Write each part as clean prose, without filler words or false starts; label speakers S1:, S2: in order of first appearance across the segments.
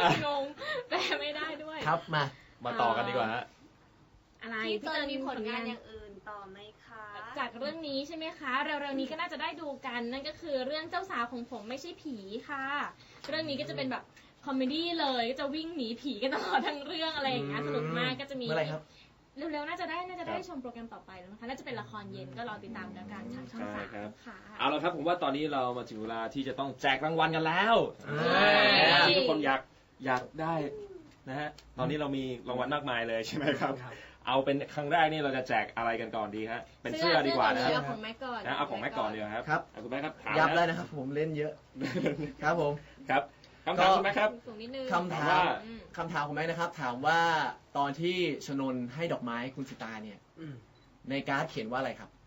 S1: งงแปลไม่ได้ด้วย
S2: ครับมา
S3: ต่อกันดีกว่าฮะ
S1: อะไร
S4: พี่เติร์นมีผลงานอย่างอื่นต่อไหมคะ
S1: จากเรื่องนี้ใช่ไหมคะเร็วๆนี้ก็น่าจะได้ดูกันนั่นก็คือเรื่องเจ้าสาวของผมไม่ใช่ผีค่ะเรื่องนี้ก็จะเป็นแบบคอมเมดี้เลยก็จะวิ่งหนีผีกันตลอดทั้งเรื่องอะไรอย่างเงี้ยสนุกมากก็จะมี
S2: เมื่อไหร่ครับ
S1: เร็วๆน่าจะได้ชมโปรแกรมต่อไปแล้วนะคะน่าจะเป็นละครเย็นก็รอติดตามแล้วกันทางช่อง3ค่ะ
S3: เอาละครับผมว่าตอนนี้เรามาถึงเวลาที่จะต้องแจกรางวัลกันแล้วทุกคนอยากได้นะฮะตอนนี้เรามีรางวัลมากมายเลยใช่ไหมครับเอาเป็นครั้งแรกนี่เราจะแจกอะไรกันก่อนดีฮะเป็นเสื้อดีกว่านะ
S1: เอาของแม่ก่อน
S3: เอาของแม่ก่อนดีครับคุณแม่ครับ
S2: ยับเลยนะครับผมเล่นเยอะครับผม
S3: ครับคำถามใช่ไหมครับ
S2: คำถามของแม่นะครับถามว่าตอนที่ชนนให้ดอกไม้คุณสิตาเนี่ยในการ์ดเขียนว่าอะไรครับ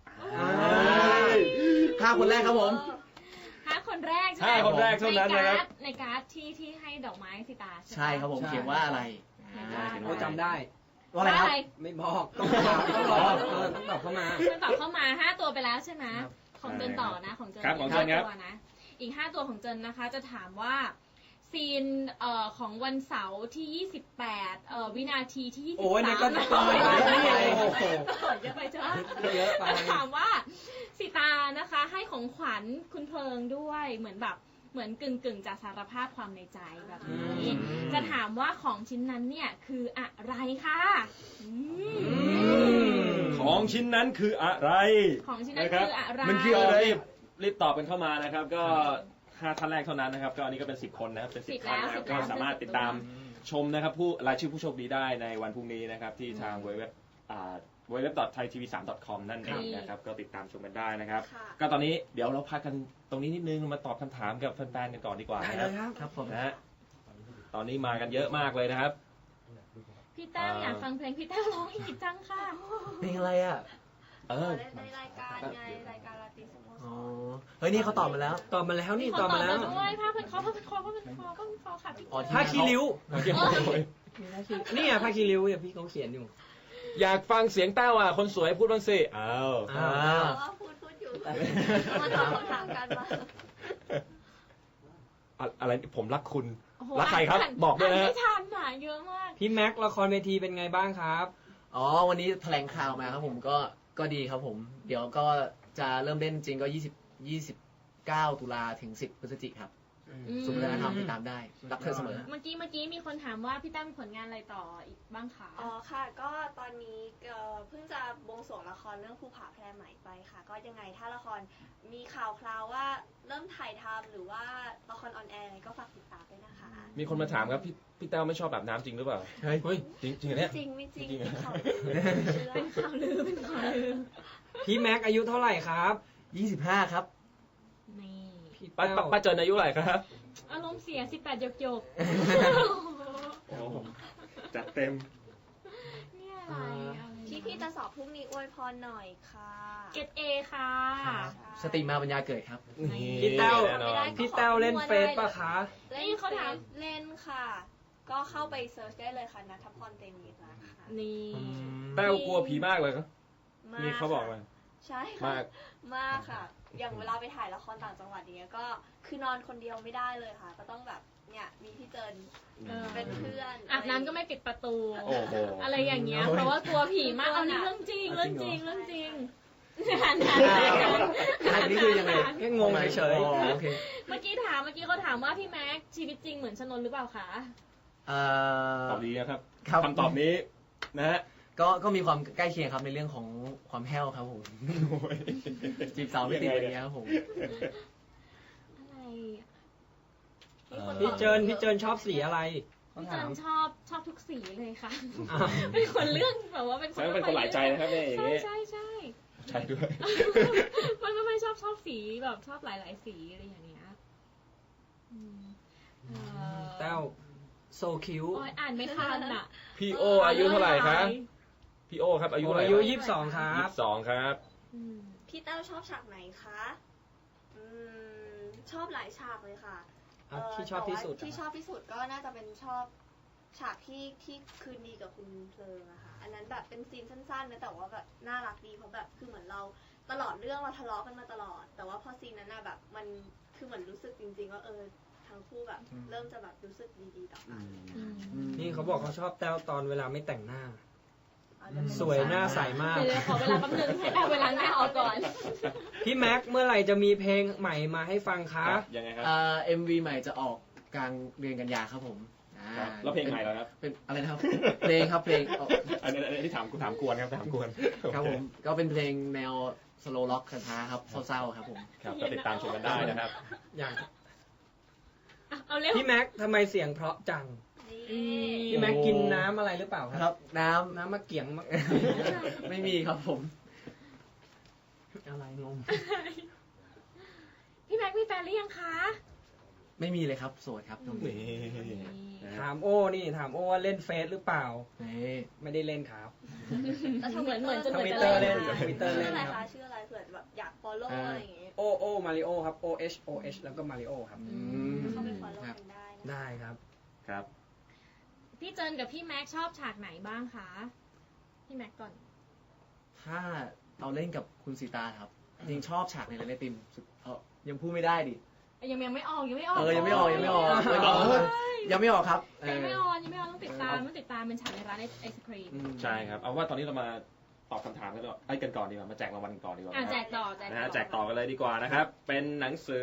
S2: 5 คนแรกครับผม
S1: 5 คนแรกใช่
S3: 5 คนแรกเท่านั้นนะครับ
S1: ในการ์ดที่ให้ดอกไม้สิตา
S2: ใช่ครับผมเขียนว่าอะไร
S5: เราจำได้
S2: ว่าอะไรครับ
S5: ไม่บอกต้องตอบเข้า
S1: มา5 ตัวไปแล้วใช่ไหมของเจนต่อนะของเจน
S3: 5 ตัว
S1: นะอีก5 ตัวของเจนนะคะจะถามว่าซีนของวันเสาร์ที่28วินาทีที่23
S5: โอ้ยนี่ก็จะต่อย
S1: โอ้โหเยอะไปจ้ะ
S5: เยอะไป
S1: ถามว่าสิตานะคะให้ของขวัญคุณเพลิงด้วยเหมือนกึ่งจะสารภาพความในใจแบบนี้จะถามว่าของชิ้นนั้นเนี่ยคืออะไรคะ
S3: ของชิ้นนั้นคืออะไร
S1: ของชิ้นนั้นคืออะไร
S3: มันคืออะไรรีบตอบกันเข้ามานะครับก็5 ท่านแรกเท่านั้นนะครับก็อันนี้ก็เป็น10 คนนะครับเป็น10 ท่านนะครับก็สามารถติดตามชมนะครับผู้รายชื่อผู้โชคดีได้ในวันพรุ่งนี้นะครับที่ทางเว็บwww.thaitv3.com นั่นเองนะครับก็ติดตามชมกันได้นะครับก็ตอนนี้เดี๋ยวเราพักกันตรงนี้นิดนึงมาตอบคำถามกับแฟนๆกันก่อนดีกว่า
S2: ครับผม
S3: นะฮะตอนนี้มากันเยอะมากเลยนะครับ
S1: พี่แต้วอยากฟังเพลงพี่แต้วร้องอีกจังค่ะ
S2: เพลงอะไรอ่ะ
S4: ในรายการไงรายการราตรีสโมสร
S2: เฮ้ยนี่เขาตอบมาแล้ว
S5: นี่ตอบมาแล้ว
S1: ด้วยผ้าพันคอค่ะพี่
S5: ผ้าคีริ้วนี่อ่ะผ้าคีริ้วเนี่ยพี่เขาเขียนอยู่
S3: อยากฟังเสียงแต้วคนสวยพูดบ้างสิ
S4: พูดอยู่มาตอบคำถามกันมา
S3: อะไรผมรักคุณรักใครครับบอกด้วยนะ
S1: ไม่ทันอ่ะเยอะมาก
S5: พี่แม็กละครเวทีเป็นไงบ้างครับ
S2: วันนี้แถลงข่าวมาครับผมก็ดีครับผมเดี๋ยวก็จะเริ่มเล่นจริงก็29 ตุลาถึง10 พฤศจิกายนครับสุขวัฒนธรรมติดตามได้รักเธอเสมอ
S1: เมื่อกี้มีคนถามว่าพี่ตั้มผลงานอะไรต่ออีกบ้างคะ
S4: ค่ะก็ตอนนี้เพิ่งจะบวงสรวงละครเรื่องภูผาแพรใหม่ไปค่ะก็ยังไงถ้าละครมีข่าวคราวว่าเริ่มถ่ายทำหรือว่าละครออนแอร์ก็ฝากติดตามด้วยนะคะ
S3: มีคนมาถามครับพี่แต้วไม่ชอบแบบน้ำจริงหรือเปล่า
S2: เฮ้ย
S3: จริงเนี่ย
S4: จริงไม่จริง
S1: เป็นข่าวลือ
S5: พี่แม็กอายุเท่าไหร่ครับ
S2: 25ครับ
S1: นี่
S3: ป้าเจนอายุเท่าไหร่ครับ
S1: อารมณ์เสีย18หยก
S3: จัดเต็ม
S1: เนี่ยอะไร
S4: พี่จะสอบพรุ่งนี้อวยพรหน่อยค่ะ
S1: เกรด A ค่ะ
S2: สติมาปัญญาเกิดครับ
S5: พี่แต้วเล่นเฟซป่ะคะ
S4: นี่เขาถามเล่นค่ะก็เข้าไปเซิร์ชได้เลยค่ะณัฐพร เตมีนะคะ
S1: นี่
S3: แต้วกลัวผีมากเลยครับนี่เขาบอกมา
S4: ใช่มากค่ะอย่างเวลาไปถ่ายละครต่างจังหวัดอย่างเงี้ยก็คือนอนคนเดียวไม่ได้เลยค่ะก็ต้องแบบเนี่ยมีพี่เจินเป็นเพื่อน
S1: อาบน้ำก็ไม่ปิดประตูอะไรอย่างเงี้ยเพราะว่ากลัวผีมากเอานี่เรื่องจริงอัน
S2: นี้คือยังไง
S5: แค่งงเฉย
S1: เมื่อกี้เขาถามว่าพี่แม็กชีวิตจริงเหมือนชนนหรือเปล่าคะ
S3: ตอบดีนะครับคำตอบนี้นะฮะ
S2: ก็มีความใกล้เคียงครับในเรื่องของความแห้วครับผมจีบสาวไม่ติดอย่างเงี้ยครับผม
S5: พี่เจินชอบสีอะไร
S1: พี่เจินชอบทุกสีเลยค่ะเป็นคนเลือกแบบว่าเป็น
S3: คนหลายใจนะครับเนี่ยอย่างเงี้ย
S1: ใช่
S3: ด้วย
S1: มันไม่ชอบสีแบบชอบหลายสีอะไรอย่างเงี้ย
S5: แต้วโซคิว
S1: อ่านไม่ทันอ่ะ
S3: พี่โออายุเท่าไหร่ครับพี่โอครับอายุ
S5: 22ครับ
S3: 22ครับ
S4: พี่แต้วชอบฉากไหนคะชอบหลายฉากเลยค่ะ
S5: ที่ชอบที่
S4: สุดก็น่าจะเป็นชอบฉากที่คืนดีกับคุณเพลิงอะค่ะอันนั้นแบบเป็นซีนสั้นๆนะแต่ว่าแบบน่ารักดีเพราะแบบคือเหมือนเราตลอดเรื่องเราทะเลาะกันมาตลอดแต่ว่าพอซีนนั้นน่ะแบบมันคือเหมือนรู้สึกจริงๆว่าทั้งคู่แบบเริ่มจะแบบรู้สึกดีๆต่อกัน
S5: นี่เขาบอกเขาชอบแต้วตอนเวลาไม่แต่งหน้า
S4: เอาจะเป็น
S5: สวยหน้าใสมาก
S1: เดี๋ยวขอเวลาแป๊บนึงให้เอาเวลาหน้าออกก่อน
S5: พี่แม็กเมื่อไหร่จะมีเพลงใหม่มาให้ฟังคะ
S3: ยังไงครับ
S2: MV ใหม่จะออกกลางเดือนกันยาครับผม
S3: ครับแล้วเพลงใหม่เหรอครับ
S2: เป็นอะไรนะครับ เพลงครับเพลง
S3: อันนี้ถามกวนครับถามกวน
S2: ครับผมก็เป็นเพลงแนวสโลว์ล็อกช้าๆครับเศร้าๆครับผม
S3: ครับก็ติดตามชมกันได้นะครับ
S5: อย่าง
S1: เอาเร็ว
S5: พี่แม็กทำไมเสียงเพราะจัง
S1: อืม
S5: พี่แม็กกินน้ำอะไรหรือเปล่า
S2: ค
S5: ค
S2: รั
S5: รั
S2: บบ น้ำ
S5: น้ำมะเกียงมะ
S2: ไม่มีครับผม
S5: อะไรงง
S1: พี่แม็กมีแฟนหรือยังคะ
S2: ไม่มีเลยครับโสดครับตรงนี้
S5: ถามโอ้นี่ถามโอ้ว่าเล่นเฟซหรือเปล่า
S2: นี่
S5: ไม่ได้เล่นครับ
S4: แล้ว
S1: เหมือนจะ
S5: ทวิตเตอร์เล่น
S1: หมือ
S5: ทวิตเตอร์
S4: ชื่
S5: เล่
S4: อน อะไร
S5: ครั
S4: คะ
S5: บ
S4: ชื่ออะไรเผื่อแบบอยาก follow อะไรอย่างงี้
S5: โอมาริโอครับ O H แล้วก็มาริโอครับ
S4: เข้าไป follow กันได้นะ
S5: ได้ครับ
S3: ครับ
S1: พี่เจินกับพี่แม็กชอบฉากไหนบ้างคะพี่แม็กก่อน
S2: ถ้าเราเล่นกับคุณสีตาครับจริงชอบฉากในเรนติมสุดยังพูดไม่ได้ดิ
S1: ยังไม่ออก
S2: ยังไม่ออกยังไม่ออกยังไม่ออกครับ
S1: ยังไม่ออกต้องติดตามเป็นฉากในร้านไอศครีม
S3: ใช่ครับ เอาว่าตอนนี้เรามาตอบคำถามกันก่อนดีกว่า มาแจกรางวัลกันก่อนดีกว่า
S1: แจกต่อ
S3: นะฮะแจกต่อกันเลยดีกว่านะครับ เป็นหนังสือ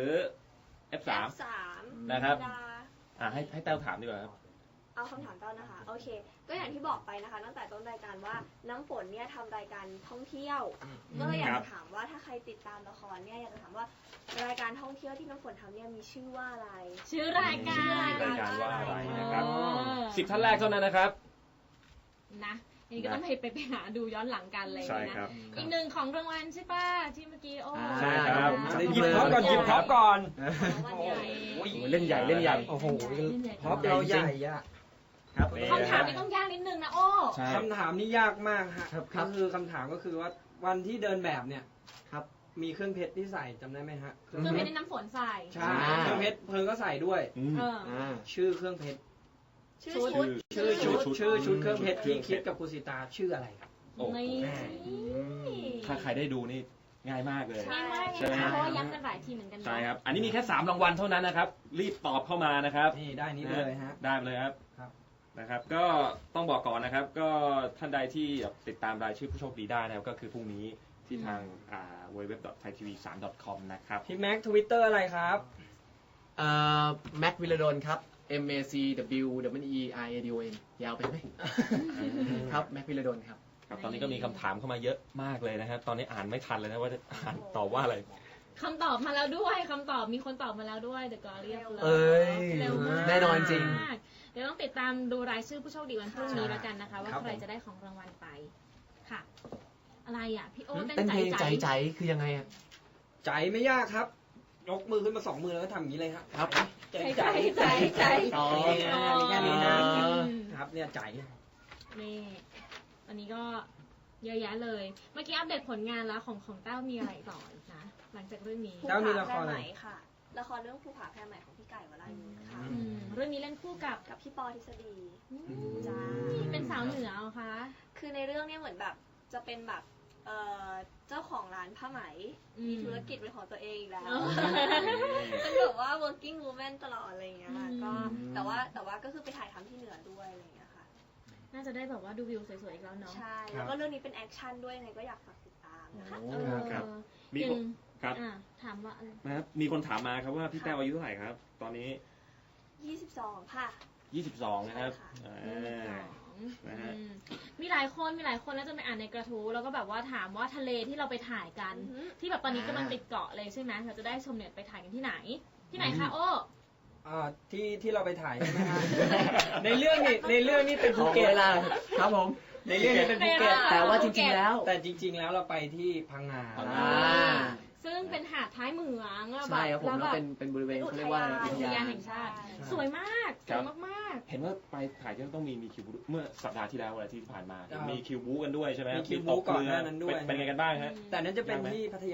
S3: F3 นะครับ ให้แต้วถามดีกว่าครับ
S4: เอาคำถามต้นนะคะ โอเค ก็อย่างที่บอกไปนะคะตั้งแต่ต้นรายการว่าน้ำฝนเนี่ยทำรายการท่องเที่ยวก็เลยอยากจะถามว่าถ้าใครติดตามละครเนี่ยอยากจะถามว่ารายการท่องเที่ยวที่น้ำฝนทำเนี่ยมีชื่อว่าอะไร
S1: ชื่อรายการ
S3: รายการว่าอะไรนะครับ
S1: อ๋อ
S3: 10 ท่านแรกเท่านั้นนะครับ
S1: นะอันนี้ก็ต้องไปหาดูย้อนหลังกันเลย
S3: ใช่
S1: นะครับ อีกหนึ่งของรางวัลใช่ป่ะที่เมื่อกี้โอ้
S3: ใช่ครับ
S5: หยิบท็อปก่อนหยิบท็อปก่อน
S4: วันใหญ่
S2: เล่นใหญ่เล่นใหญ่
S5: โอ้โหท็อปเราใหญ่อะ
S3: ครับ
S1: คำถามนี้ต้องยากนิดนึงนะโอ้
S3: ใช่
S5: คำถามนี่ยากมากฮะ
S2: ครับ
S5: ก็คือคำถามก็คือว่าวันที่เดินแบบเนี่ย
S2: ครับ
S5: มีเครื่องเพชรที่ใส่จำได้ไหมฮะ
S1: เครื่องเพชรในน้ำฝนใส่
S5: ใช่เครื่องเพชรเพิงก็ใส่ด้วย
S1: เออ
S5: ชื่อเครื่องเพชร
S4: ชื่อชุด
S5: ชื่อชุดเครื่องเพชรที่คิดกับคุณสิตาชื่ออะไรครับ
S3: โอ้โห
S1: นี่
S3: ถ้าใครได้ดูนี่ง่ายมากเลย
S1: ง่ายมาก
S3: ใช่ไหม
S1: เลยนะเพราะว่าย้ำกันหลายทีเหมือนกันนะ
S3: ใช่ครับ อันนี้มีแค่3รางวัลเท่านั้นนะครับ รีบตอบเข้ามานะครับ
S5: นี่ได้นี้เลยฮะ
S3: ได้เลยครับ
S5: ครับ
S3: นะครับ ก็ต้องบอกก่อนนะครับ ก็ท่านใดที่ติดตามรายชื่อผู้โชคดีได้นะครับ ก็คือพรุ่งนี้ที่ทางwww.thaitv3.com นะครับ
S5: พี่แม็กทวิตเตอร์อะไรครับ
S2: แม็กวิลดอนครับ MACWWERADON ยาวไปไหมครับแม็กวิลดอนครับ
S3: ครับ ตอนนี้ก็มีคำถามเข้ามาเยอะมากเลยนะครับ ตอนนี้อ่านไม่ทันเลยนะว่าจะอ่านตอบว่าอะไร
S1: คำตอบมาแล้วด้วยคำตอบมีคนตอบมาแล้วด้วย The Glorious Love
S2: เอ้ย
S1: เร็วมาก
S2: แน่นอนจริง
S1: เดี๋ยวต้องติดตามดูรายชื่อผู้โชคดีวันพรุ่งนี้แล้วกันนะคะ ว่า
S5: ครับ
S1: ใคร
S5: ผม
S1: จะได้ของรางวัลไปค่ะ อะไรอ่ะพี่โอ้
S2: เต้
S1: เต้
S2: น
S1: น
S2: เพลง
S1: ใจ
S2: ใจคือยังไงอะ
S5: ใจไม่ยากครับ ยกมือขึ้นมา2 มือแล้วก็ทำอย่างนี้เลยครับ
S2: ครับ
S5: ใจ
S1: ใจใจ
S2: อ๋อ
S5: มีแค่นี้นะ
S2: อ๋อ
S5: ครับเนี่ยใจ
S1: นี่วันนี้ก็เยอะแยะเลย เมื่อกี้อัปเดตผลงานแล้วของเต้ามีอะไรต่ออีกนะ หลังจากเรื่องนี้
S5: แล้วมีละครอะไร
S4: ใหม่ค่ะ ละครเรื่องภูผาแพรใหม่ของพี่ไก่วรายุทธ์ค่ะ
S1: เรื่องนี้เล่นคู่กับ
S4: กับพี่ปอทฤษฎี
S1: จ้าเป็นสาวเหนือเหรอคะ
S4: คือในเรื่องเนี่ยเหมือนแบบจะเป็นแบบเจ้าของร้านผ้าไหม มีธุรกิจเป็นของตัวเองอีกแล้ว เป็นแบบว่า working woman ตลอดอะไรอย่างเงี้ยค่ะก็แต่ว่าก็คือไปถ่ายทำที่เหนือด้วยอะไรอย่างเงี้ยค่ะ
S1: น่าจะได้แบบว่าดูวิวสวยๆอีกแล้วเนาะ
S4: ใช่ แล้วก็เรื่องนี้เป็นแอคชั่นด้วยไงก็อยากฝากติดตามนะคะ
S1: เออ
S3: ครับ มี
S1: ยัง
S3: ครับ
S1: ถามว่าอะไร
S3: นะครับ มีคนถามมาครับว่าพี่แต้วอายุเท่าไหร่ครับ ตอนนี้
S4: 22 ค่ะ
S3: 22 นะครับ
S4: ใช่ค่ะ
S3: นะฮะ
S1: มีหลายคนน่าจะไปอ่านในกระทู้แล้วก็แบบว่าถามว่าทะเลที่เราไปถ่ายกัน
S4: อือฮึ
S1: ที่แบบตอนนี้กำลังติดเกาะเลยใช่ไหมเราจะได้ชมเนี่ยไปถ่ายกันที่ไหน ที่ไหนคะโอ้
S5: ที่เราไปถ่ายใช่ไหมฮะ ในเรื่องนี่เป็น
S2: ข
S5: ภู
S2: อ
S5: เก็ต
S2: เวลาครับผม
S5: ในเรื่องนี้เป็นภูเก็ต
S2: แต่ว่าจริงๆแล้ว
S5: แต่จริง ๆ แล้วเราไปที่พังงา
S1: ซึ่งเป็นหาดท้ายเหมืองอะ
S2: ใช่ครับผม
S1: แล้ว
S2: แล้ว
S1: แบบ
S2: เป็นบริเวณเขาเรียกว่า
S1: อุทยานแห่งชาติ สวยมากสวยมาก
S3: เห็นว่าไปถ่ายที่ต้องมีคิวบูเมื่อสัปดาห์ที่แล้วอะไรที่ผ่านมา
S5: ครับ
S3: มีคิวบูกันด้วยใช่ไหม
S5: มีคิวบูก่อนหน้านั้นด้วย
S3: เป็นไงกันบ้างฮะ
S5: แต่นั้นจะเป็นที่พัทยา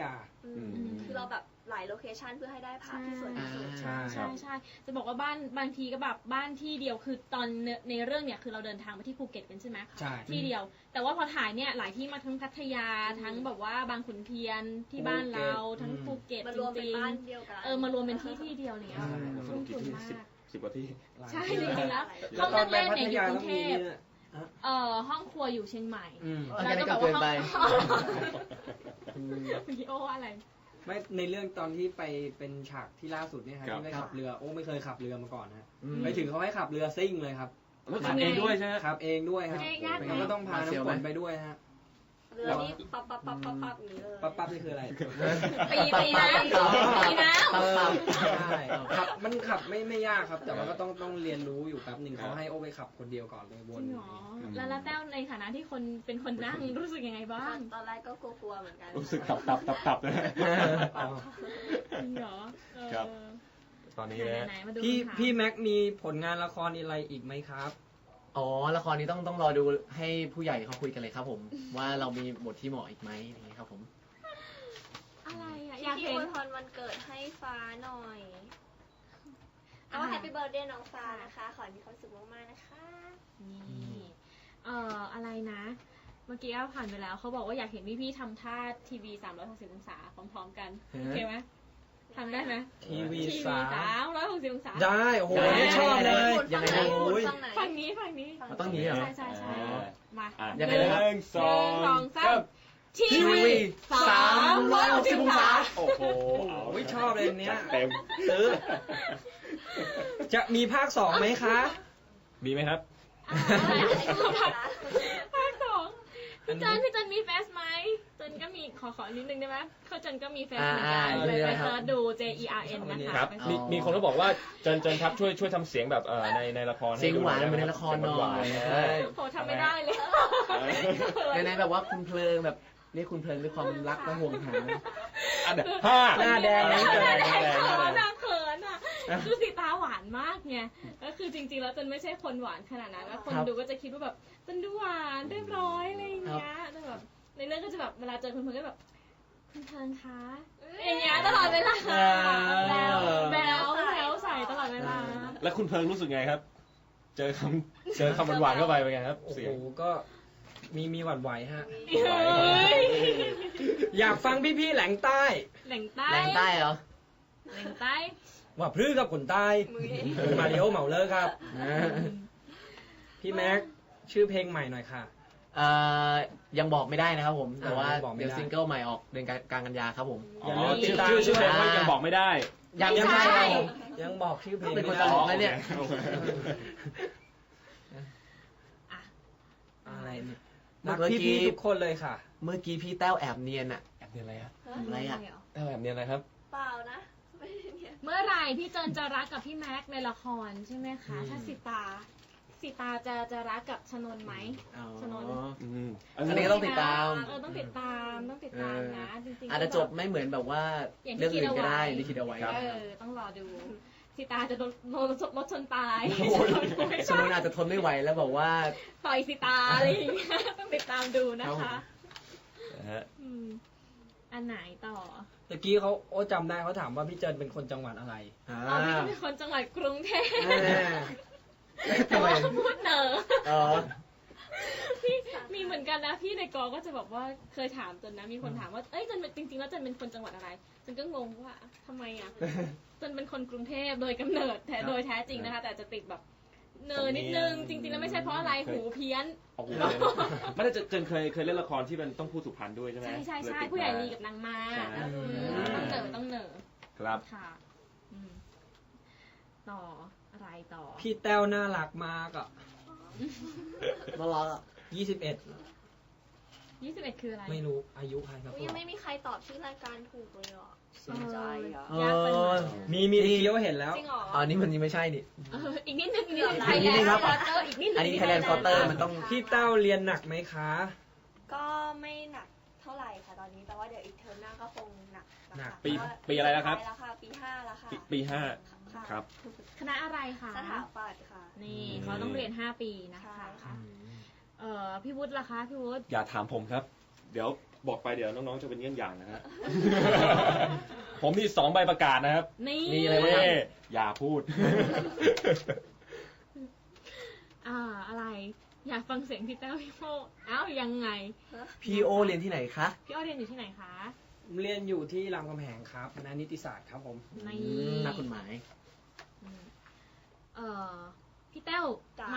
S4: คือเราแบบหลายโลเคชันเพื่อให้ได้ภาพที่สวยที่สุด
S5: ใช่
S1: ใช่ใช่จะบอกว่าบ้านบางทีก็แบบบ้านที่เดียวคือตอนในเรื่องเนี่ยคือเราเดินทางไปที่ภูเก็ตกันใช่ไหม
S5: ใช่
S1: ที่เดียว แต่ว่าพอถ่ายเนี่ยหลายที่มาทั้งพัทยาทั้งแบบว่าบางขุนเทียนที่บ้านเราทั้งภูเก็ต
S4: มาร
S1: จ
S4: วมเป็น
S1: ริง
S4: บ้านเดียวกัน
S1: ๆมารวมเป็นที่เดียวเนี่ย
S3: สรุปกี่ที่10 กว่าที่
S1: ใช่จริงๆแล้ว
S5: แล้วตอนไปพัทยา
S1: ห้องนั่งเล่นเนี่ยอยู่กรุ
S5: ต้อง
S1: งเท
S5: มี
S1: พ
S5: เนี่ย
S1: ห้องครัวอยู่เชียงใหม่
S2: อันนี้ก็เกินไป
S1: เมื่อกี้โอ้อะไร
S5: ไม่ในเรื่องตอนที่ไปเป็นฉากที่ล่าสุดเนี่ยครับ
S3: ครับ
S5: ที่ไปขับเรือโอ้ไม่เคยขับเรือมาก่อนนะ
S2: อืม
S5: ไปถึงเขาให้ขับเรือซิ่งเลยครับ
S3: แล้วขับเองด้วยใช่ไหม
S5: ขับเองด้วยครับ
S1: ยากไหม
S5: แล้วก็ต้องพาน้ำฝนไปด้วยฮะ
S4: เรือนี้ปั๊บปั๊บปั๊บปั๊บปั๊บอย่างนี้เลย
S5: ปั๊บนี่คืออะไร
S1: ตีน้ำตีน้ำ
S5: ใช่ขับมันขับไม่ยากครับ แต่ว่าก็ต้องเรียนรู้อยู่แป๊บหนึ่งเขาให้โอไปขับคนเดียวก่อนเลยว
S1: จ
S5: น
S1: ริงเหรอแล้วแต้วในฐานะที่คนเป็นคนนั่งรู้สึกยังไงบ้าง
S4: ตอนแรกก็กลัวๆเหมือนกัน
S3: รู้สึกตับนะ
S5: อ๋อ
S1: จริงเหรอ
S3: ครับ ตอนนี้นะ
S1: ไหนๆมาดู
S5: พี่แม็กมีผลงานละครอะไรอีกไหมครับ
S2: อ๋อละครนี้ต้องรอดูให้ผู้ใหญ่เขาคุยกันเลยครับผม ว่าเรามีบทที่เหมาะอีกไหมอย่างนี้ครับผม
S1: อะไรอ่ะอ
S4: อยาก ก
S1: ยาเห็
S4: เห็
S1: น
S4: นพรวันเกิดให้ฟ้าหน่อยก็แฮปปี้เบิร์ดเดย์น้องฟ้านะคะ ขอให้มีความสุขมากๆนะคะ
S1: นี่อะไรนะ เมื่อกี้ผ่านไปแล้วเขาบอกว่าอยากเห็นพี่ๆทำท่าทีวี360องศาพร้อมๆกันโอเคไหมทำได้ไหม
S5: ทีวี
S1: ทีวี 360องศา
S5: ได้โอ้โห
S2: ได้
S5: ชอบเลย
S2: ยังไงนะ
S5: โอ้ย
S1: ฝั่งนี้ฝั่งนี้
S2: มันต้องหนีเหรอ
S1: ใช่มา
S2: ยังไงนะครับ
S3: 1 2 3
S1: ทีวี360องศา
S3: โอ้โห
S5: โอ้ยชอบเลยเนี้ย
S3: เต็ม
S5: ซื้อ จะมีภาคสองไหมคะ
S3: มีไหมครับ
S1: ภาคสองพี่จันมีแฟสไหมจันก็มีขอนิดนึงได้ไหมเขาจันก็มีแฟสเหมือนกันไปเสิร์ชดู JERN นะคะ
S3: ครับ มีคนก็บอกว่าเจนครับช่วยทำเสียงแบบในละคร
S2: เสียงหวานเหมือนในละครหน่อย
S1: โหทำไม่ได้เลย
S2: ในแบบว่าคุณเพลิงแบบเรียกคุณเพลิงด้วยความรักและห่วงหา
S3: อันห้า
S5: หน้าแดง
S1: หน้าแดง
S3: หน้าแดง
S1: เขินอ่ะคือสีตาหวานมากไงก็คือจริงๆแล้วจันไม่ใช่คนหวานขนาดนั้นแล้วคนดูก็จะคิดว่าแบบจันดูหวานเรียบร้อยอะไรอย่างเงี้ยแต่แบบในเรื่องก็จะแบบเวลาเจอคุณเพลิงก็แบบคุณเพลิงคะอย่างเงี้ยตลอดเวลาแล้วใส่ตลอดเวลา
S3: แล้วคุณเพิงรู้สึกไงครับ เจอคำหวานๆเข้าไปเป็นไงครับ
S5: โอ้
S3: เสี
S5: โห
S3: ยง
S5: ก็มีหวั่นไหวฮะ
S1: เฮ้ย
S5: อยากฟังพี่ๆแหลงใต้
S1: แหล่งใต้
S2: แรงใต้เหรอ
S1: แหล่งใต้
S5: ว่าพรื้กับคนใต้มาริโอเหมาเลอร์ครับ พี่แม็กชื่อเพลงใหม่หน่อยค่ะ
S2: ยังบอกไม่ได้นะครับผม แต่ว่า
S5: ยังบอกไม่ได้
S2: เดี๋ยวซิงเกิลใหม่ออกเดือนกลางกันยาครับผม
S5: อย่าลืมติด
S3: ชื่อ
S5: ตาม
S3: ชื่อเพลงว่ายังบอกไม่ได้
S2: ยัง
S5: ยัง
S2: ไม่
S5: ไม่
S2: ใช่
S5: ยังบอกชื่อเพลง
S2: เป็นคน
S5: ไม่
S2: ต
S5: ได้
S2: ลกนะเนี่ย
S5: อะไรเนี่ย
S2: เมื่
S5: รั
S2: อก กี้
S5: พี่ๆทุกคนเลยค่ะ
S2: เมื่อกี้พี่แต้วแอบเนียนอะ
S3: แอบเนียนอะไรฮะ
S2: อะไรอะ
S3: แอบเนียนอะไรครับ
S4: เปล่านะไม่ได้เนี่ย
S1: เมื่อไหร่พี่เจนจะรักกับพี่แม็กซ์ในละครใช่ไหมคะ ถ้าสิตาจะรักกับชนนท์ไหม
S2: อ๋อ
S1: ชนนท์
S2: อันนี้ก็ต้องติดตาม
S1: ต้องติดตามนะจริงๆ
S2: อาจจะจบไม่เหมือนแบบว่า
S1: อย่างที่
S2: เรื่องอื่นก็ได้
S1: คิดเอาไว้
S2: ที่คิดเอาไว้
S1: ต้องรอดูสิตาจะโดนรถชนตาย
S2: ชนนอาจจะทนไม่ไหวแล้วบอกว่า
S1: ต่อยสิตาอะไรอย่างเงี้ยต้องติดตามดูนะ
S2: ครั
S1: คะ
S2: บ
S1: อันไหนต่อ
S5: ตะกี้เขาโอ้จำได้เขาถามว่าพี่เจินเป็นคนจังหวัดอะไร
S1: อ๋อพี่จะเป็นคนจังหวัดกรุงเทพ
S2: ทำไม
S1: พูดเหนอ
S2: อ๋อ
S1: พี่มีเหมือนกันนะพี่ในกอก็จะบอกว่าเคยถามจนนะมีคนถามว่าเอ้ยจนจริงๆแล้วจนเป็นคนจังหวัดอะไรจนก็งงว่าทำไมอ่ะจนเป็นคนกรุงเทพโดยกำเนิดโดยแท้จริงนะคะ แต่จะติดแบบเนอนิดนึงจริงๆแล้วไม่ใช่เพราะอะไรหูเพี้ยน
S3: ไม่ได้เจนเคยเล่นละครที่มันต้องพูดสุพรรณด้วยใช่ไหม
S1: ใช่ผู้ใหญ่ลีกับนางมาต้องเหนอ
S3: ครับ
S1: ค่ะต่ออะไรต่อ
S5: พี่แต้วน่ารักมากอ่ะ
S2: น่ารักอะ
S5: 21
S1: 21คืออะไร
S5: ไม่รู้อายุใครครับ
S4: ยังไม่มีใครตอบชื่อรายการถูกเลยอ่ะ
S1: สนใจ
S2: ยากไปหน่อย
S5: มีเคี้ยวเห็นแล้ว
S4: จริงเหรอ
S2: อ๋อนี่มันยังไม่ใช่นี่
S1: อีกนิดนึง
S2: ไทยแลนด์
S1: Quarter อีกนิดนึง
S2: อันนี้ Thailand Quarter มันต้อง
S5: พี่แต้วเรียนหนักไหมคะ
S4: ก็ไม่หนักเท่าไหร่ค่ะตอนนี้แต่ว่าเดี๋ยวอีกเทอมหน้าก็คงหนักนะคะ
S3: ปีอะไรแล้วครับ
S4: แล้วค่ะปี 5 แล้วค่ะ
S3: ปี
S4: ค่ะ
S3: 5ครับ
S1: คณะอะไรคะ
S4: สถาปัตย์ค่ะ
S1: นี่เขาต้องเรียน5 ปีนะคะ
S4: ใช่ค่ะ
S1: พี่วุฒิล่ะคะพี่วุฒิ
S3: อย่าถามผมครับ เดี๋ยวบอกไปเดี๋ยวน้องๆจะเป็นเยี่ยงอย่างนะฮะ ผมมี2 ใบประกาศนะครับ
S1: นี่
S2: มีอะไรบ้างครับ
S3: อย่าพูด
S1: อะไร อยากฟังเสียงพี่แต้วพี่โมยังไง
S2: พี่โอเรียนที่ไหนคะ
S1: พี่อ้อเรียนอยู่ที่ไหนคะ
S5: เรียนอยู่ที่รามคำแหงครับคณะนิติศาสตร์ครับผม
S1: ใน
S2: นักกฎหมาย
S1: พี่แต้ว
S4: จ้ะ